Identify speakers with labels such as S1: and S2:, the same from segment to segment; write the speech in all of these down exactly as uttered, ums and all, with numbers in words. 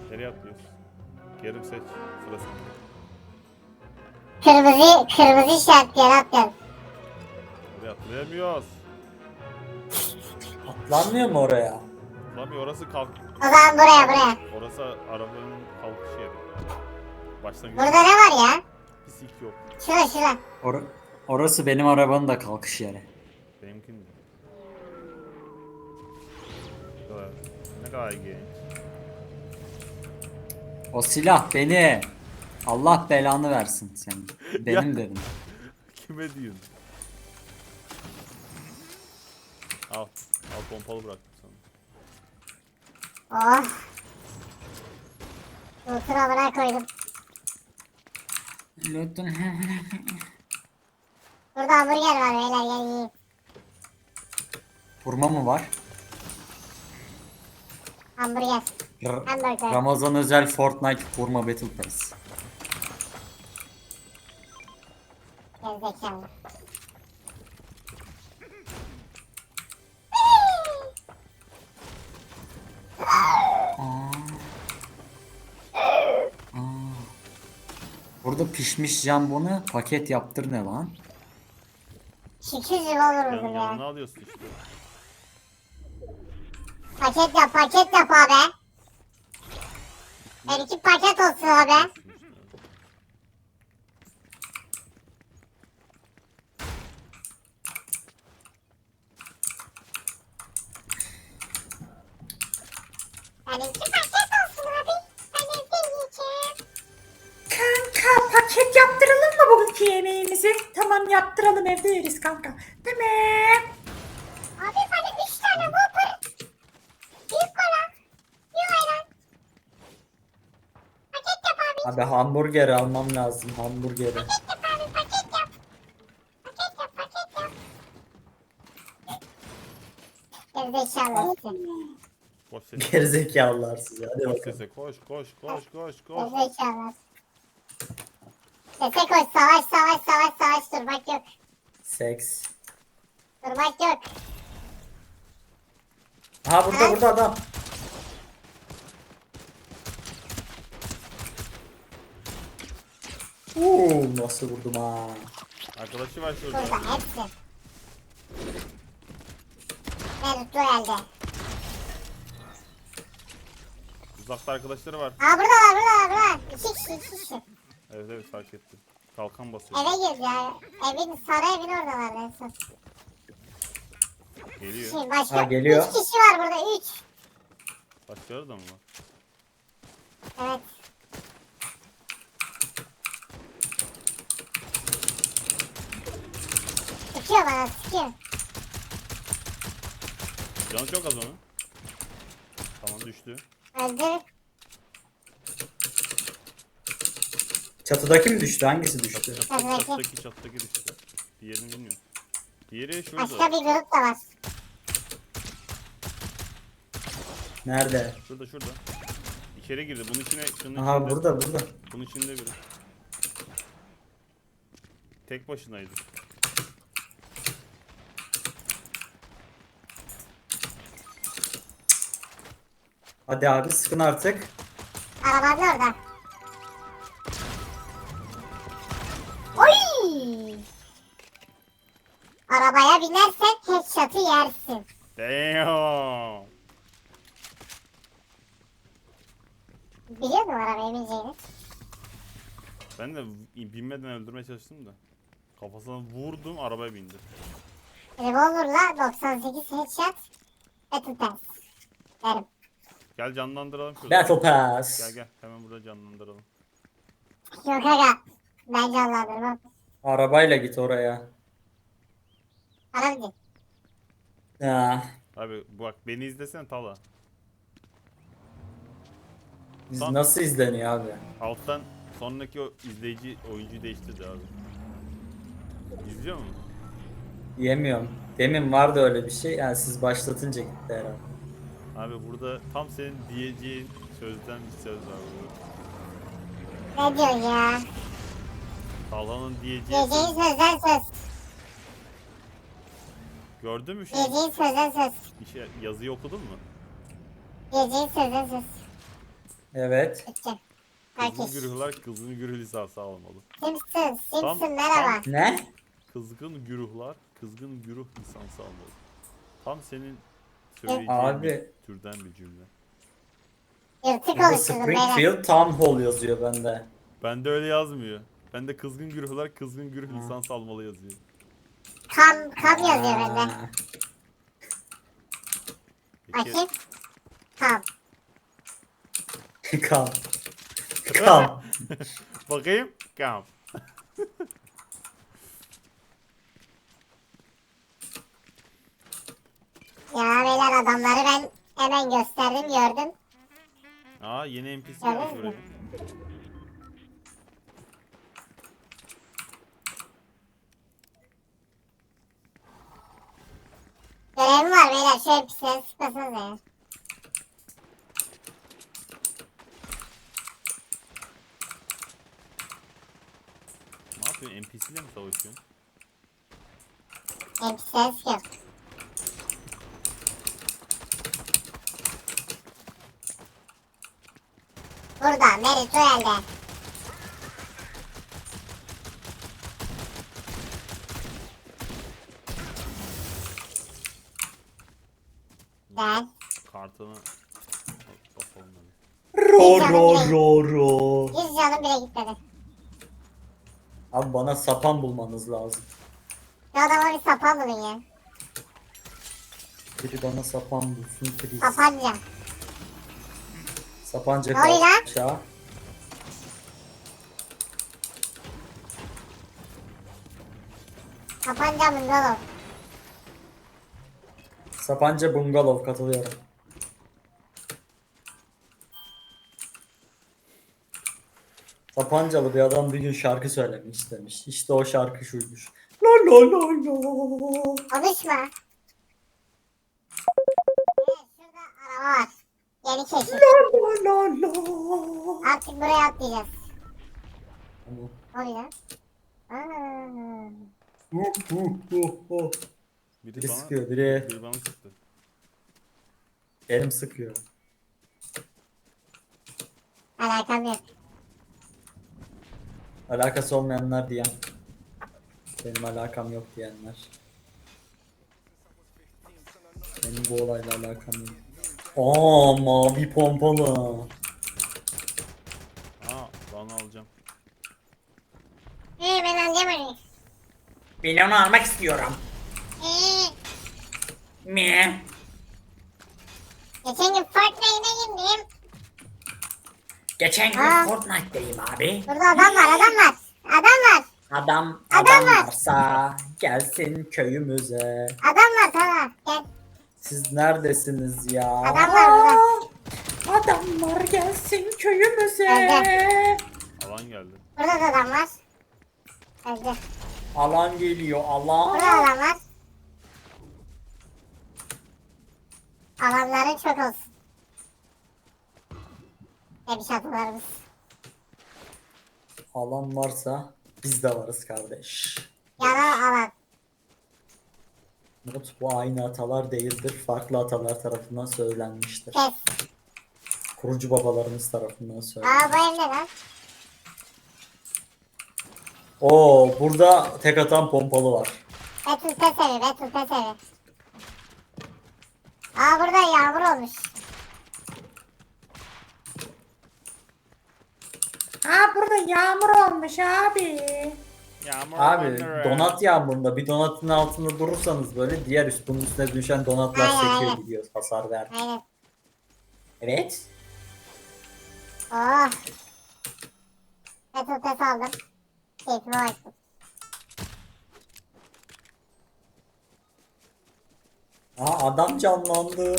S1: Nereye atlıyoruz? Kerim seç. Sıra sende.
S2: Kırmızı, kırmızı işaret yere atlayalım.
S1: Oraya atlayamıyoruz.
S3: Atlanmıyor mu oraya?
S1: Atlamıyor. Orası kalk.
S2: O zaman buraya buraya.
S1: Orası arabanın kalkış yeri. Başlangıç.
S2: Burada ne var ya?
S1: Pislik yok.
S2: Şurada şurada.
S3: Or orası benim arabanın da kalkış yeri.
S1: Benimkinin de. Ne kadar, ne kadar genç.
S3: O silah beni. Allah belanı versin senin. Benim dedim.
S1: Kime diyorsun? Al. Al pompalı bıraktım sana.
S2: Oh. Ultra buraya koydum. Burada hamburger var beyler gel yiyin.
S3: Vurma mı var?
S2: Hamburger.
S3: R
S2: Hamburger.
S3: Ramazan özel Fortnite vurma Battle Pass.
S2: Gerizekalı.
S3: Aa. Aa. Burada pişmiş jambonu paket yaptır ne lan?
S2: Şükür gibi olur
S1: Yan,
S2: ya.
S1: yanına alıyorsun işte.
S2: Paket yap paket yap abi. Her iki paket olsun abi. Yani iki paket olsun abi. Ben evde yiyeceğim.
S4: Kanka paket yaptıralım mı bugünkü yemeğimizi? Tamam yaptıralım evde yeriz kanka. Tamam.
S2: Abi bana üç tane Whopper. Büyük kola. Bir ayran. Paket yap abi.
S3: Abi hamburger almam lazım hamburgeri.
S2: Paket yap abi paket yap. Paket yap paket yap. Gerizekalı olsun.
S1: Koş sese.
S3: Gerizekalılar siz hadi
S1: Koş
S3: bakalım.
S1: sese. Koş koş koş koş koş.
S2: Gerizekalı. Sese koş savaş savaş savaş savaş durmak yok.
S3: Seks.
S2: Durmak yok.
S3: Aha burada burada adam. Uuu nasıl vurdum ha.
S1: Arkadaşı var şurada.
S2: Burada hepsi. Ne tuttu elde.
S1: Uzakta arkadaşları var.
S2: Aa burada var burada var burada. İki kişi iki kişi.
S1: Evet evet fark ettim. Kalkan basıyor.
S2: Eve girdi ya. Evin sarı evin oradalar en son.
S1: Geliyor.
S2: Şimdi başka
S3: Ha, geliyor.
S2: üç kişi var burada üç.
S1: Başkaları da mı var?
S2: Evet. Sıkıyor bana sıkıyor.
S1: Canı çok az onun. Tamam düştü.
S2: Öldür.
S3: Çatıdaki mi düştü? Hangisi düştü?
S1: Çattaki
S2: Çatıdaki.
S1: çattaki çattaki düştü. Diğerini bilmiyorum. Diğeri şurada.
S2: Başka bir grup da var.
S3: Nerede?
S1: Şurada şurada. İçeri girdi. Bunun içine şunun
S3: Aha
S1: içinde.
S3: burada burada.
S1: Bunun içinde biri. Tek başınaydı.
S3: Hadi abi sıkın artık.
S2: Arabanın orada. Oy! Arabaya binersen headshot'ı yersin.
S1: Damn.
S2: Biliyor musun arabaya bineceğini?
S1: Ben de binmeden öldürmeye çalıştım da. Kafasına vurdum arabaya bindi.
S2: Revolver'la doksan sekiz headshot. Battle Pass. Derim.
S1: Gel canlandıralım şurada.
S3: Battle Pass.
S1: Gel gel hemen burada canlandıralım.
S2: Yok aga. Ben canlandırmam.
S3: Arabayla git oraya.
S2: Bana bir de.
S3: Ya.
S1: Abi bak beni izlesene Tala.
S3: Biz
S1: Tam-
S3: nasıl izleniyor abi?
S1: Alttan sonraki o izleyici oyuncuyu değiştirdi abi. İzliyor musun?
S3: Yemiyorum. Demin vardı öyle bir şey. Yani siz başlatınca gitti herhalde.
S1: Abi burada tam senin diyeceğin sözden bir söz var burada.
S2: Ne diyorsun ya?
S1: Talha'nın diyeceği
S2: Diyeceğin
S1: söz.
S2: sözden söz.
S1: Gördün mü şu
S2: Diyeceğin sözden söz.
S1: işe, yazıyı okudun mu?
S2: Diyeceğin sözden söz.
S3: Evet.
S2: Bitti.
S1: Kızgın
S2: Herkes.
S1: güruhlar kızgın güruh lisansı almalı.
S2: Simpson.
S1: Tam-
S2: Simpson merhaba.
S3: Ne?
S1: Kızgın güruhlar kızgın güruh lisansı almalı. Tam senin söyleyeceğin
S3: Abi.
S1: bir türden bir cümle.
S2: Yırtık
S3: Burada
S2: oluşturdum beyler.
S3: Springfield Town Hall yazıyor bende.
S1: Bende öyle yazmıyor. Bende kızgın güruhlar kızgın güruh lisansı almalı yazıyor.
S2: Kam, kam yazıyor bende.
S3: Aa,
S1: Peki,
S2: Bakayım. Kam.
S3: Kam. Kam.
S1: bakayım. Kam.
S2: Ya beyler adamları ben hemen gösterdim gördüm.
S1: Aa yeni N P C
S2: Evet.
S1: gelmiş buraya.
S2: Görevim var beyler şöyle bir şey sıkmasınız ya.
S1: Ne yapıyorsun? N P C ile mi savaşıyorsun?
S2: Hem bir şey sıkıyorum. Burada Merit Royal'de. Gel.
S1: Kartını basalım hadi.
S3: Ro ro ro ro.
S2: Yüz canım bile gitmedi.
S3: Abi bana sapan bulmanız lazım.
S2: Şu adama bir sapan bulun ya.
S3: Biri bana sapan bulsun please.
S2: Sapanca.
S3: Sapanca
S2: Ne oluyor lan?
S3: aşağı.
S2: Sapanca bungalov.
S3: Sapanca bungalov katılıyorum. Sapancalı bir adam bir gün şarkı söylemek istemiş. İşte o şarkı şuymuş. La la la la.
S2: Konuşma. Evet şurada araba var. Yeni keşif.
S3: La la la.
S2: Artık buraya atlayacağız.
S3: Tamam.
S2: Ne oluyor lan? Aa.
S3: Hu hu hu hu.
S1: Biri,
S3: Biri
S1: bana,
S3: sıkıyor, biri
S1: biri bana sıktı.
S3: elim sıkıyor.
S2: Alakam yok.
S3: Alakası olmayanlar diyen. Benim alakam yok diyenler. Benim bu olayla alakam yok. Aa mavi pompalı.
S1: Aa ben alacağım.
S2: Ee ben anlayamadım.
S3: Ben onu almak istiyorum.
S2: Ee,
S3: Mi?
S2: geçen gün Fortnite'a girdim.
S3: Geçen gün
S2: Aa.
S3: Fortnite'dayım abi.
S2: Burada adam var adam var. Adam var.
S3: Adam,
S2: Adam
S3: adam
S2: var.
S3: varsa gelsin köyümüze.
S2: Adam var tamam. Gel.
S3: Siz neredesiniz ya?
S2: Adam var burada.
S4: Adamlar gelsin köyümüze.
S2: Nerede?
S1: Alan geldi.
S2: Burada da adam var. Öldü.
S3: Alan geliyor alan.
S2: Burada adam var. Alanların çok olsun. Ne bir şartlarımız.
S3: Alan varsa biz de varız kardeş.
S2: Yana alan.
S3: Umut bu aynı atalar değildir. Farklı atalar tarafından söylenmiştir.
S2: Kes.
S3: Kurucu babalarımız tarafından söylenmiştir.
S2: Aa bu ev ne lan?
S3: Oo burada tek atan pompalı var.
S2: Betül Tesevi, Betül Tesevi. Aa burada yağmur olmuş.
S4: Ha burada yağmur olmuş abi.
S1: Yağmur
S3: Abi
S1: Wonderland.
S3: donat yağmurunda bir donatın altında durursanız böyle diğer üst bunun üstüne düşen donatlar
S2: Aynen,
S3: sekiyor
S2: aynen.
S3: gidiyor hasar ver.
S2: Aynen.
S3: Evet.
S2: Oh. Betül Tese aldım. Keyfime baktım.
S3: Aa adam canlandı.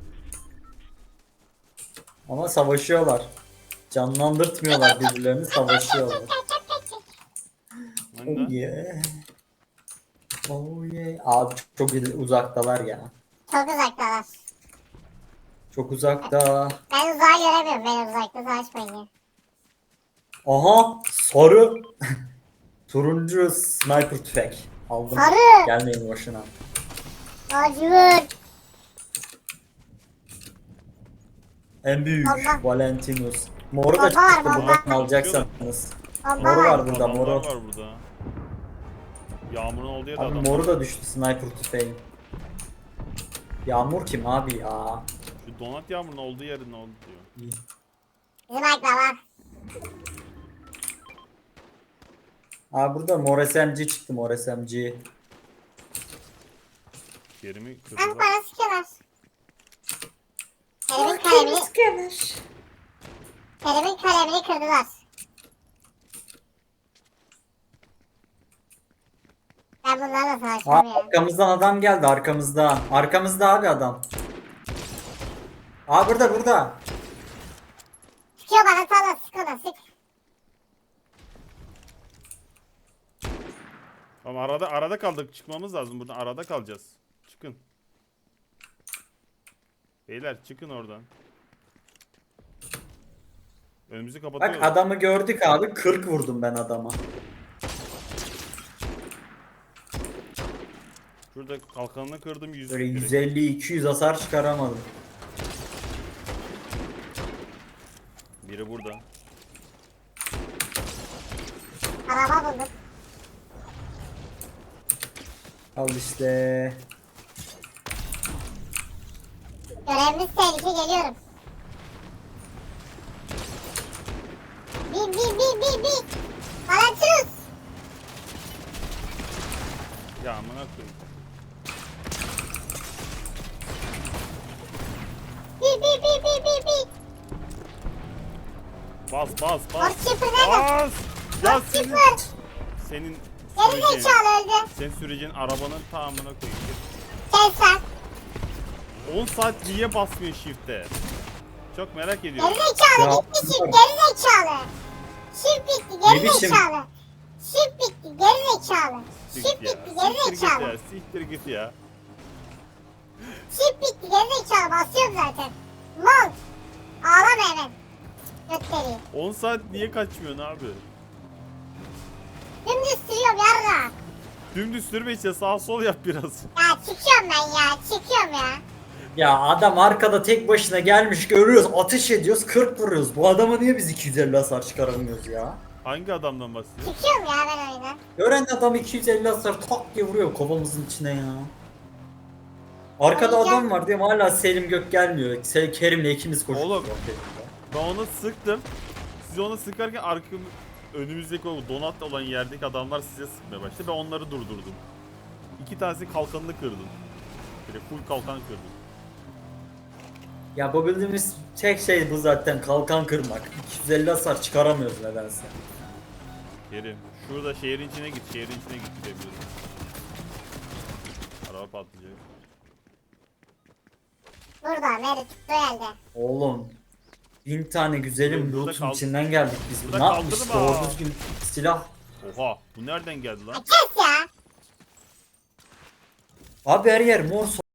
S3: Ama savaşıyorlar. Canlandırtmıyorlar birbirlerini savaşıyorlar.
S1: Ben
S3: Oh
S1: de.
S3: yeah. Oh yeah. Abi çok, çok il- uzaktalar ya.
S2: Çok uzaktalar.
S3: Çok uzakta.
S2: Ben uzağı göremiyorum. Ben uzakta savaşmayın ya.
S3: Aha sarı. Turuncu sniper tüfek. Aldım.
S2: Sarı.
S3: Gelmeyin boşuna.
S2: Lacivert.
S3: En büyük
S2: Bomba.
S3: Valentinus. Moru da
S2: Bomba var,
S3: çıktı
S2: bomba.
S3: buradan alacaksanız.
S2: Bomba
S3: Moru
S2: var.
S3: var burada,
S1: Adamlar
S3: moru.
S1: var burada. Yağmurun olduğu yerde
S3: Abi
S1: adam
S3: moru
S1: var.
S3: da düştü sniper tüfeği. Yağmur kim abi ya?
S1: Şu donat yağmurun olduğu yerde ne oldu diyor.
S3: İyi.
S2: Bizim ayaklar var.
S3: Abi burada mor S M G çıktı, mor S M G.
S1: Yerimi
S2: Hem
S1: kırdılar.
S2: bana sıkıyorlar. Kerim'in
S4: Ah,
S2: kalemini,
S4: kendini sıkıyorlar.
S2: Kerim'in kalemini kırdılar. Ben bunlarla
S3: Aa,
S2: savaşmam ya.
S3: arkamızdan adam geldi, arkamızda. Arkamızda abi adam. Aa burada, burada.
S2: Sıkıyor bana sağla sıkıyorlar sık.
S1: Ama arada arada kaldık. Çıkmamız lazım buradan. Arada kalacağız. Çıkın. Beyler çıkın oradan. Önümüzü kapatıyor.
S3: Bak adamı gördük abi, kırk vurdum ben adama.
S1: Şurada kalkanını kırdım yüz.
S3: Böyle
S1: direkt.
S3: yüz elli iki yüz hasar çıkaramadım.
S1: Biri burada.
S2: Araba buldum.
S3: Al işte.
S2: Görevimiz tehlike geliyorum. Bin bin bin bin bin. Valentinus.
S1: Ya amına koyayım.
S2: Bin bin bin bin bin bin.
S1: Bas bas bas.
S2: Orçiper nerede?
S1: Bas. Ya senin
S2: Orçiper.
S1: senin
S2: Geri
S1: süreceğin,
S2: zekalı öldü.
S1: senin süreceğin arabanın tamamına koyayım.
S2: Kes lan.
S1: on saat niye basmıyor shift'e? Çok merak
S2: Geri
S1: ediyorum.
S2: zekalı
S3: Ya,
S2: bitti şif geri zekalı. Şif bitti
S3: Ne
S2: geri
S3: biçim?
S2: zekalı. Şif bitti geri zekalı. Şif
S1: Siktir ya.
S2: bitti geri
S1: Siktir git
S2: zekalı.
S1: ya. Siktir git ya.
S2: Şif bitti geri zekalı basıyorum zaten. Mol. Ağlama hemen. Götleri.
S1: on saat niye kaçmıyorsun abi?
S2: Dümdüz sürüyorum yarra.
S1: Dümdüz sürme işte sağ sol yap biraz.
S2: Ya çıkıyorum ben ya çıkıyorum ya.
S3: Ya adam arkada tek başına gelmiş, görüyoruz, ateş ediyoruz, kırk vuruyoruz. Bu adama niye biz iki yüz elli hasar çıkaramıyoruz ya?
S1: Hangi adamdan bahsediyorsun?
S2: Çıkıyorum ya ben oyuna.
S3: Gören adam iki yüz elli hasar tak diye vuruyor kafamızın içine ya. Arkada
S2: Ay,
S3: adam
S2: gel.
S3: var diye hala Selim Gök gelmiyor. Se- Kerim'le ikimiz koşuyoruz.
S1: Oğlum.
S3: ortaya.
S1: Ben onu sıktım. Siz onu sıkarken arkam önümüzdeki o donat olan yerdeki adamlar size sıkmaya başladı. Ben onları durdurdum. İki tanesi kalkanını kırdım. Böyle full kalkan kırdım.
S3: Ya bu bildiğimiz tek şey bu zaten, kalkan kırmak. iki yüz elli hasar çıkaramıyoruz nedense.
S1: Kerim, şurada şehrin içine git, şehrin içine git gidebiliriz. Araba patlayacak.
S2: Burada Meri tuttuğu yerde.
S3: Oğlum bin tane güzelim
S1: Burada
S3: loot'un
S1: kal-
S3: içinden geldik biz.
S1: Burada
S3: Ne yapmış?
S1: kaldırma.
S3: Doğru düzgün silah.
S1: Oha, bu nereden geldi
S2: Ya
S1: lan?
S2: kes ya.
S3: Abi her yer mor